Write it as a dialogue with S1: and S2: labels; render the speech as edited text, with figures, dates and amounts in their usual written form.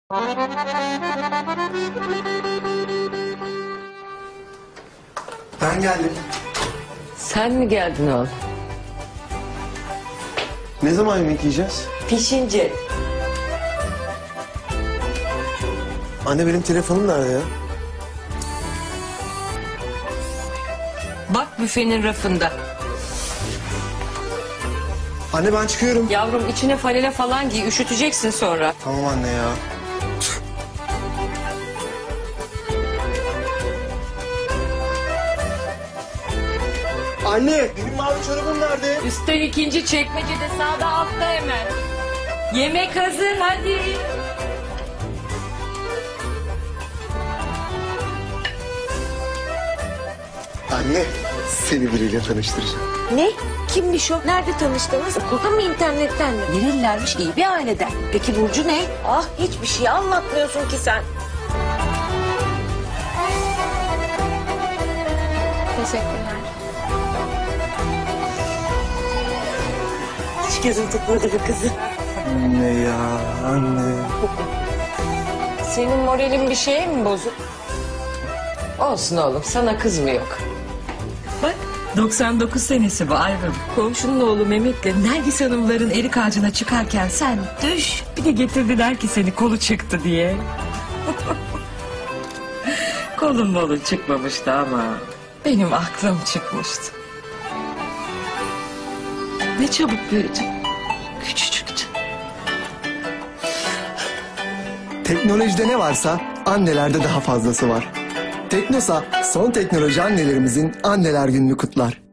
S1: Ben geldim.
S2: Sen mi geldin oğlum?
S1: Ne zaman yemek yiyeceğiz?
S2: Pişince.
S1: Anne benim telefonum nerede ya?
S2: Bak büfenin rafında.
S1: Anne ben çıkıyorum.
S2: Yavrum içine falele falan giy, üşüteceksin sonra.
S1: Tamam anne ya. Anne benim mavi çorabım nerede?
S2: Üstten ikinci çekmecede sağda altta hemen. Yemek hazır hadi.
S1: Anne seni biriyle tanıştıracağım.
S3: Ne? Kimmiş o? Nerede tanıştınız? Okulda mı, internetten mi? Nerelilermiş? İyi bir aileden. Peki Burcu ne? Ah, hiçbir şey anlatmıyorsun ki sen. Teşekkürler. Hiç gözüm tutmadı bu kızı.
S1: Anne ya anne.
S2: Senin moralin bir şeye mi bozuk? Olsun oğlum, sana kız mı yok? Bak 99 senesi bu Aygın. Komşunun oğlu Mehmet'le Nergis Hanımların erik ağacına çıkarken sen düş. Bir de getirdiler ki seni kolu çıktı diye. Kolun molun çıkmamıştı ama benim aklım çıkmıştı. Ne çabuk büyüdün. Küçücüktün.
S1: Teknolojide ne varsa annelerde daha fazlası var. Teknosa son teknoloji annelerimizin anneler gününü kutlar.